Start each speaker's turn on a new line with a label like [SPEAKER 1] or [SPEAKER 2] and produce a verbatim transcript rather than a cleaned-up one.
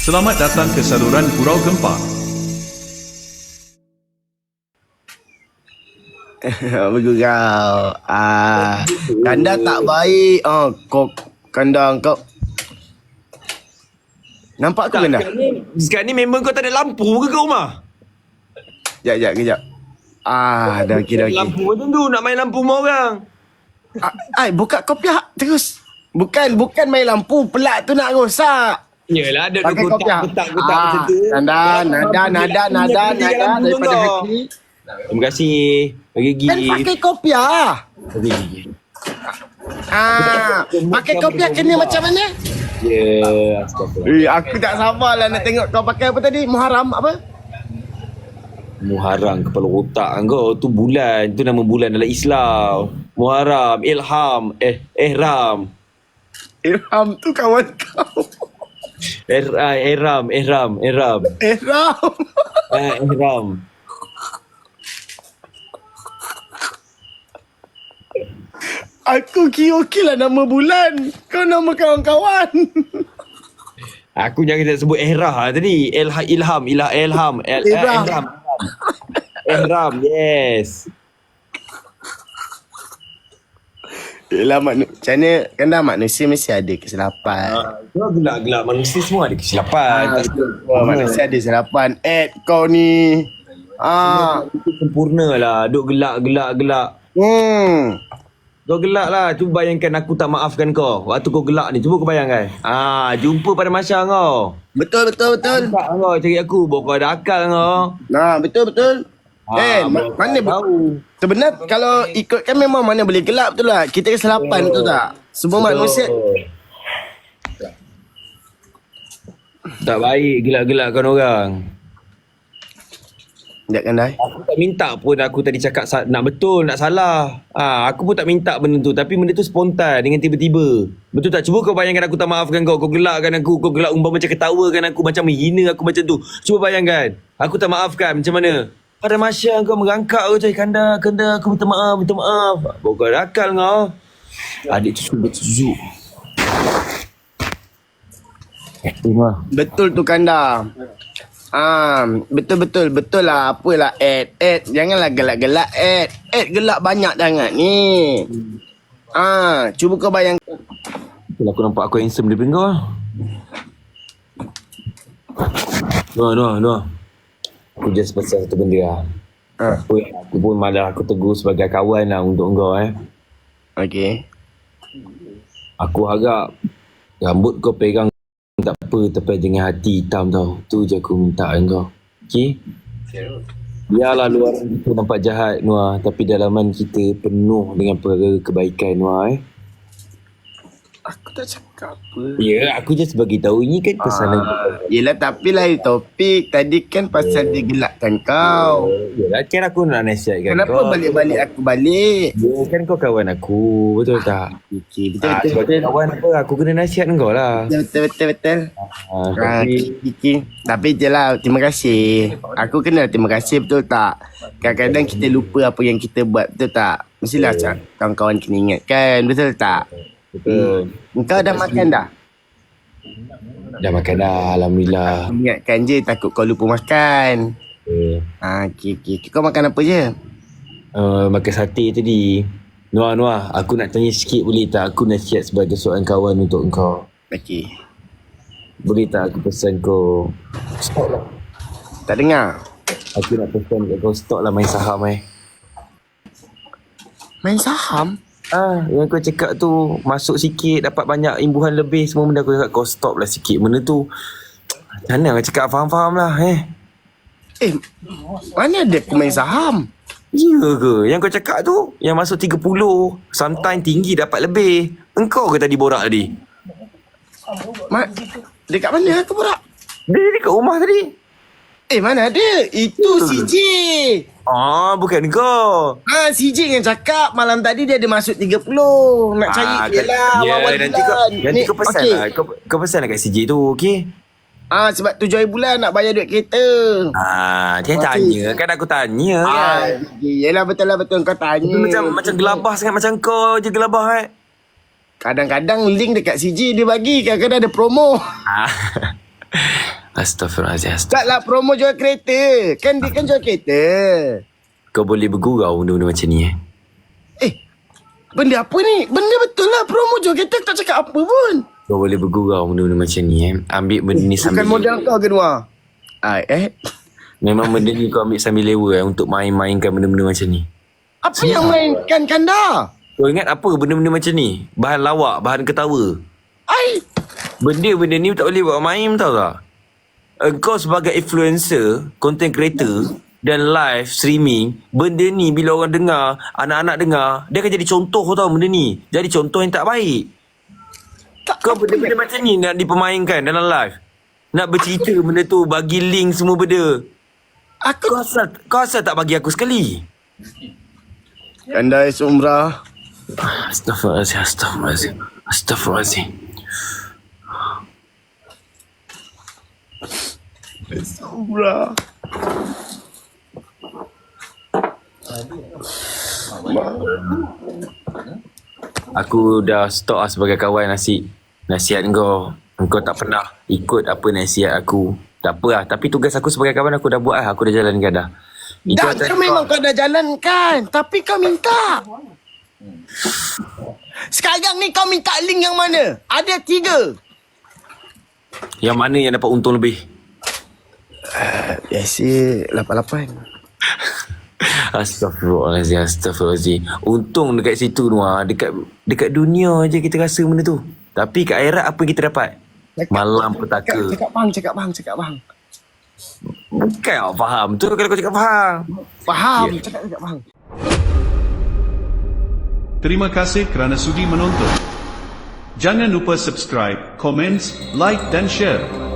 [SPEAKER 1] Selamat datang ke saluran Gurau Gempar.
[SPEAKER 2] Bergurau. Ah, kanda tak baik. Oh, kau kanda kau. Nampak aku kanda?
[SPEAKER 3] Sekarang ni, sekarang ni member kau tak ada lampu ke kat rumah?
[SPEAKER 2] Jap, jap, kejap. Ah, dah okey, dah okey.
[SPEAKER 3] Lampu macam tu, nak main lampu rumah orang.
[SPEAKER 2] Ah, ai, buka kau pihak terus. Bukan, bukan main lampu. Pelak tu nak rosak.
[SPEAKER 3] Yelah, ada
[SPEAKER 2] Pakai
[SPEAKER 3] kotak,
[SPEAKER 2] kopiah.
[SPEAKER 3] kotak, kotak
[SPEAKER 2] Ah,
[SPEAKER 3] macam tu.
[SPEAKER 2] nada, nada, nada, nada, nada daripada hati.
[SPEAKER 3] Terima kasih. Bagi gigi.
[SPEAKER 2] Kan pakai kopiah.
[SPEAKER 3] Bagi gigi.
[SPEAKER 2] Ah, pakai kopiah kena macam mana?
[SPEAKER 3] Ya, astagfirullah.
[SPEAKER 2] Eh, aku tak sabarlah nak tengok kau pakai apa tadi? Muharram apa?
[SPEAKER 3] Muharram kepala otak kau. Tu bulan. Tu nama bulan dalam Islam. Muharram, Ilham, eh, Ihram.
[SPEAKER 2] Irham tu kawan kau.
[SPEAKER 3] Eh, ah, Ihram, Ihram, Ihram.
[SPEAKER 2] Irham.
[SPEAKER 3] Ah, Ihram.
[SPEAKER 2] Aku kira okey lah nama bulan. Kau nama kawan-kawan.
[SPEAKER 3] Aku jangan nak sebut Ihrah tadi. Ilha, Ilham, Ilah, Ilham. El, eh,
[SPEAKER 2] Ihram.
[SPEAKER 3] Ihram. Ihram, yes.
[SPEAKER 2] Yelah, makna, macam mana kan dah manusia mesti ada kesilapan.
[SPEAKER 3] Kau gelak-gelak manusia semua ada kesilapan.
[SPEAKER 2] Ah,
[SPEAKER 3] Tak
[SPEAKER 2] betul. Wah, manusia ada kesilapan. Ed kau ni. Ah.
[SPEAKER 3] Itu sempurna lah. Duk gelak-gelak-gelak.
[SPEAKER 2] Hmm.
[SPEAKER 3] Kau gelak lah. Cuba bayangkan aku tak maafkan kau. Waktu kau gelak ni. Cuba kau bayangkan. Ah, jumpa pada masa kau.
[SPEAKER 2] Betul, betul, betul.
[SPEAKER 3] Tak kau cari aku. Bawa kau ada akal kau.
[SPEAKER 2] Nah, betul, betul. Eh,
[SPEAKER 3] Ah,
[SPEAKER 2] ma-
[SPEAKER 3] bawa
[SPEAKER 2] mana
[SPEAKER 3] kau
[SPEAKER 2] bu-
[SPEAKER 3] tahu.
[SPEAKER 2] Sebenarnya kalau ikutkan memang mana boleh gelap betul lah. Kita kesilapan betul tak? Semua manusia.
[SPEAKER 3] Tak baik gelak-gelakkan orang.
[SPEAKER 2] Sekejap kan dah.
[SPEAKER 3] Aku tak minta pun aku tadi cakap sa- nak betul, nak salah. Ah, aku pun tak minta benda tu. Tapi benda tu spontan dengan tiba-tiba. Betul tak? Cuba kau bayangkan aku tak maafkan kau. Kau gelakkan aku. Kau gelak umpama macam ketawakan aku. Macam menghina aku macam tu. Cuba bayangkan. Aku tak maafkan. Macam mana? Pada masa kau merangkak kau cakap, Kanda, Kanda, aku minta maaf, minta maaf. Bawa kau ada akal kau. Adik tu suruh berzuk. Eh, tu mah.
[SPEAKER 2] Betul tu Kanda. Ah, betul betul betul lah. Apalah Ed, Ed janganlah gelak-gelak Ed. Ed gelak banyak sangat ni. Ah, cuba kau bayangkan.
[SPEAKER 3] Kalau aku nampak aku handsome daripada kau. Noh, noh, noh. Aku just pasal satu benda lah.
[SPEAKER 2] Ah,
[SPEAKER 3] Aku, aku pun malah aku tegur sebagai kawan lah untuk kau eh.
[SPEAKER 2] okey.
[SPEAKER 3] Aku harap rambut kau pegang tak apa tapi dengan hati hitam tau. Tu je aku minta dengan kau. Okay? Biarlah luar kita nampak jahat Noah, tapi dalaman kita penuh dengan perkara kebaikan Noah eh.
[SPEAKER 2] Aku tak cakap apa.
[SPEAKER 3] Ya, aku just bagi tahu ini kan pesanan
[SPEAKER 2] Ah, yelah tapi lain topik. Tadi kan pasal dia gelakkan kau.
[SPEAKER 3] Yalah kan aku nak nasihatkan
[SPEAKER 2] Kenapa
[SPEAKER 3] kau.
[SPEAKER 2] balik-balik aku balik?
[SPEAKER 3] Ya kan kau kawan aku, betul tak?
[SPEAKER 2] Okey, betul
[SPEAKER 3] Ah,
[SPEAKER 2] betul
[SPEAKER 3] sebagai
[SPEAKER 2] betul.
[SPEAKER 3] kawan apa aku kena nasihat dengan kau lah.
[SPEAKER 2] Betul betul betul. betul.
[SPEAKER 3] Ah,
[SPEAKER 2] Ah,
[SPEAKER 3] tapi
[SPEAKER 2] Kiki. Tapi je lah, terima kasih. Aku kenal terima kasih, betul tak? Kadang-kadang kita lupa apa yang kita buat, betul tak? Mestilah yeah. kawan-kawan kena ingatkan, betul tak?
[SPEAKER 3] betul.
[SPEAKER 2] Engkau dah makan dah?
[SPEAKER 3] Dah makan dah, alhamdulillah.
[SPEAKER 2] Ingatkan je, takut kau lupa makan.
[SPEAKER 3] Okay.
[SPEAKER 2] Ah, okey, okey. Kau makan apa je?
[SPEAKER 3] Uh, makan sate tadi. Noah, Noah, aku nak tanya sikit boleh tak? Aku nasihat sebagai seorang kawan untuk kau.
[SPEAKER 2] Okey.
[SPEAKER 3] Boleh tak aku pesan kau stop lah.
[SPEAKER 2] Tak dengar?
[SPEAKER 3] Aku nak pesan kat kau stop lah main saham eh.
[SPEAKER 2] Main saham?
[SPEAKER 3] Ah, yang kau cakap tu masuk sikit dapat banyak imbuhan lebih semua benda, aku cakap kau stop lah sikit benda tu. Macam mana aku cakap faham-faham lah eh.
[SPEAKER 2] Eh, mana ada aku main saham?
[SPEAKER 3] Ya ke? Yang kau cakap tu yang masuk tiga puluh, sometimes tinggi dapat lebih. Engkau ke tadi borak tadi?
[SPEAKER 2] Ma- dekat mana aku borak?
[SPEAKER 3] Dia dekat rumah tadi.
[SPEAKER 2] Eh, mana ada? Itu C J.
[SPEAKER 3] Ah, bukan kau.
[SPEAKER 2] Ah, C J yang cakap malam tadi dia ada masuk tiga puluh. Nak cari
[SPEAKER 3] Ah,
[SPEAKER 2] dia lah.
[SPEAKER 3] ya,
[SPEAKER 2] awal
[SPEAKER 3] nanti kau,
[SPEAKER 2] bulan.
[SPEAKER 3] nanti
[SPEAKER 2] Ni,
[SPEAKER 3] kau pesan
[SPEAKER 2] okey.
[SPEAKER 3] lah. Kau, kau pesan lah kat C J tu, okey?
[SPEAKER 2] Ah, sebab tujuh hari bulan nak bayar duit kereta.
[SPEAKER 3] Ah, dia
[SPEAKER 2] Okey.
[SPEAKER 3] tanya. Kan aku tanya
[SPEAKER 2] Ah,
[SPEAKER 3] kan.
[SPEAKER 2] yelah betul lah betul kau tanya.
[SPEAKER 3] Tapi macam macam gelabah sangat macam kau je gelabah eh.
[SPEAKER 2] Kadang-kadang link dekat C J dia bagi, kadang-kadang ada promo.
[SPEAKER 3] Ah. Astaghfirullahaladzim. Astagfirullah.
[SPEAKER 2] Taklah promo jual kereta. Kan dia kan jual kereta.
[SPEAKER 3] Kau boleh bergurau benda-benda macam ni eh?
[SPEAKER 2] Eh, benda apa ni? Benda betul lah. Promo jual kereta tak cakap apa pun.
[SPEAKER 3] Kau boleh bergurau benda-benda macam ni eh? Ambil benda ni sambil...
[SPEAKER 2] Bukan modal kau ke Noah? Ah, eh?
[SPEAKER 3] Memang benda ni kau ambil sambil lewa eh? Untuk main-mainkan benda-benda macam ni.
[SPEAKER 2] Apa yang mainkan kanda?
[SPEAKER 3] Kau ingat apa benda-benda macam ni? Bahan lawak, bahan ketawa.
[SPEAKER 2] Ai,
[SPEAKER 3] Benda-benda ni tak boleh buat main, tahu tak? Engkau sebagai influencer, content creator dan live streaming, benda ni bila orang dengar, anak-anak dengar, dia akan jadi contoh, tau benda ni. Jadi contoh yang tak baik.
[SPEAKER 2] tak
[SPEAKER 3] Kau
[SPEAKER 2] apa
[SPEAKER 3] benda-benda
[SPEAKER 2] yang-
[SPEAKER 3] macam ni nak dipermainkan dalam live. Nak bercerita benda tu, bagi link semua benda.
[SPEAKER 2] Aku
[SPEAKER 3] Kau asal, kau asal tak bagi aku sekali?
[SPEAKER 2] Kanda is umrah.
[SPEAKER 3] Astaghfirullahaladzim, astaghfirullahaladzim, astaghfirullahaladzim.
[SPEAKER 2] Umrah.
[SPEAKER 3] Aku dah stop lah sebagai kawan nasi. Nasihat kau. Engkau tak pernah ikut apa nasihat aku. Tak apa lah. Tapi tugas aku sebagai kawan aku dah buat lah. Aku dah jalankan dah. Itu
[SPEAKER 2] Dah
[SPEAKER 3] atas
[SPEAKER 2] tu memang kau dah jalankan. Tapi kau minta. Sekarang ni kau minta link yang mana? Ada tiga.
[SPEAKER 3] Yang mana yang dapat untung lebih?
[SPEAKER 2] Biasa lapan lapan.
[SPEAKER 3] Astaghfirullahaladzim, astaghfirullahaladzim. Untung dekat situ Noah. Dekat dekat dunia je kita rasa benda tu. Tapi kat akhirat apa yang kita dapat? Malam petaka.
[SPEAKER 2] Cakap, cakap bang, cakap bang, cakap bang.
[SPEAKER 3] Bukan awak faham tu kalau kau cakap faham.
[SPEAKER 2] Faham,
[SPEAKER 3] Ya.
[SPEAKER 2] cakap, cakap bang.
[SPEAKER 1] Terima kasih kerana sudi menonton. Jangan lupa subscribe, komen, like dan share.